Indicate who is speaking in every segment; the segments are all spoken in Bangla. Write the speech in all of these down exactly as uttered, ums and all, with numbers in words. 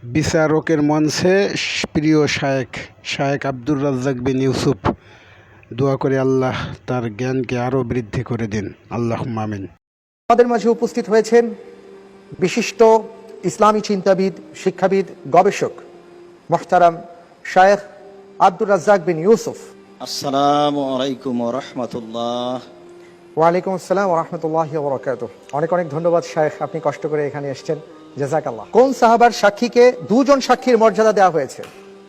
Speaker 1: বিচারকের মঞ্চে প্রিয় শায়েখ শায়েখ আব্দুর রাজ্জাক বিন ইউসুফ দোয়া করে আল্লাহ তার জ্ঞানকে আরও বৃদ্ধি করে দিন। আল্লাহুম্মা আমিন।
Speaker 2: আমাদের মাঝে উপস্থিত হয়েছেন বিশিষ্ট ইসলামী চিন্তাবিদ, শিক্ষাবিদ, গবেষক মুহতারাম শায়েখ আব্দুর রাজ্জাক বিন ইউসুফ।
Speaker 3: আসসালামু আলাইকুম ওয়া রাহমাতুল্লাহ।
Speaker 2: ওয়ালাইকুম আসসালাম ওয়া রাহমাতুল্লাহি ওয়া বারাকাতুহু। অনেক অনেক ধন্যবাদ শায়েখ, আপনি কষ্ট করে এখানে এসেছেন, জাযাকাল্লাহ। কোন সাহাবার সাক্ষীকে দুজন সাক্ষীর মর্যাদা দেওয়া হয়েছে?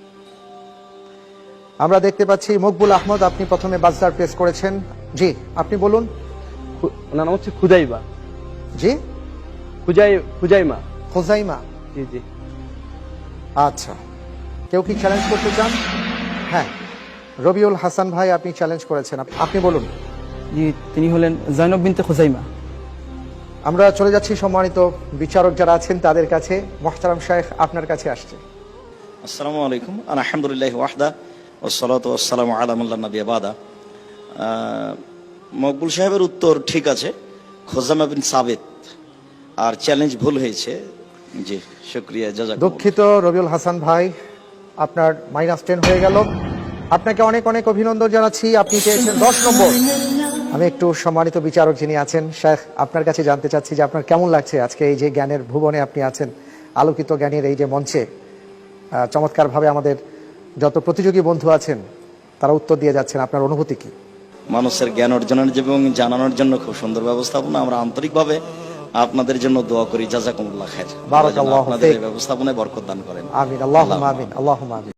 Speaker 2: আমরা দেখতে পাচ্ছি মকবুল আহমদ, আপনি প্রথমে বাজদার প্রেস করেছেন। জি, আপনি বলুন।
Speaker 4: ওনার নাম হচ্ছে খুজাইবা।
Speaker 2: জি,
Speaker 4: খুজাই খুজাইমা
Speaker 2: খুজাইমা।
Speaker 4: জি জি।
Speaker 2: আচ্ছা, কেউ কি চ্যালেঞ্জ করতে চান? হ্যাঁ, রবিউল হাসান ভাই, আপনি চ্যালেঞ্জ করেছেন, আপ- আপনি বলুন।
Speaker 4: জি, তিনি হলেন জয়নব বিনতে খুজাইমা।
Speaker 2: আমরা চলে যাচ্ছি সম্মানিত বিচারক যারা আছেন তাদের কাছে। মুহতারাম শায়েখ, আপনার কাছে আসছে।
Speaker 3: আসসালামু আলাইকুম। আলহামদুলিল্লাহি ওয়াহদা ওয়াসসালাতু ওয়াসসালামু আলা মান লা নাবিয়্যা বাদা। আহ, মকবুল সাহেবের উত্তর ঠিক আছে, খোজামা বিন সাবিত, আর চ্যালেঞ্জ ভুল হয়েছে। জি, শুকরিয়া, জাযাকুমুল্লাহ।
Speaker 2: দুঃখিত রবিউল হাসান ভাই, আপনার মাইনাস টেন হয়ে গেল। আপনাকে অনেক অনেক অভিনন্দন জানাচ্ছি, আপনি পেয়েছেন দশ নম্বর। আমি একটু সম্মানিত বিচারক যিনি আছেন শেখ, আপনার কাছে জানতে চাচ্ছি যে আপনার কেমন লাগছে আজকে এই যে জ্ঞানের ভুবনে আপনি আছেন, আলোকিত জ্ঞানের এই যে মঞ্চে আহ, চমৎকারভাবে আমাদের যত প্রতিযোগী বন্ধু আছেন তারা উত্তর দিয়ে যাচ্ছেন, আপনার অনুভূতি কি?
Speaker 3: মানুষের জ্ঞান অর্জনের এবং জানানোর জন্য খুব সুন্দর ব্যবস্থাপনা। আমরা আন্তরিকভাবে আপনাদের জন্য দোয়া করি, জাযাকুমুল্লাহ খাইর।
Speaker 2: বারাকাল্লাহু
Speaker 3: আপনাদের
Speaker 2: ফিক।
Speaker 3: এই ব্যবস্থাপনায় বরকত দান করেন।
Speaker 2: আমিন, আল্লাহুম্মা আমিন, আল্লাহুম্মা আমিন।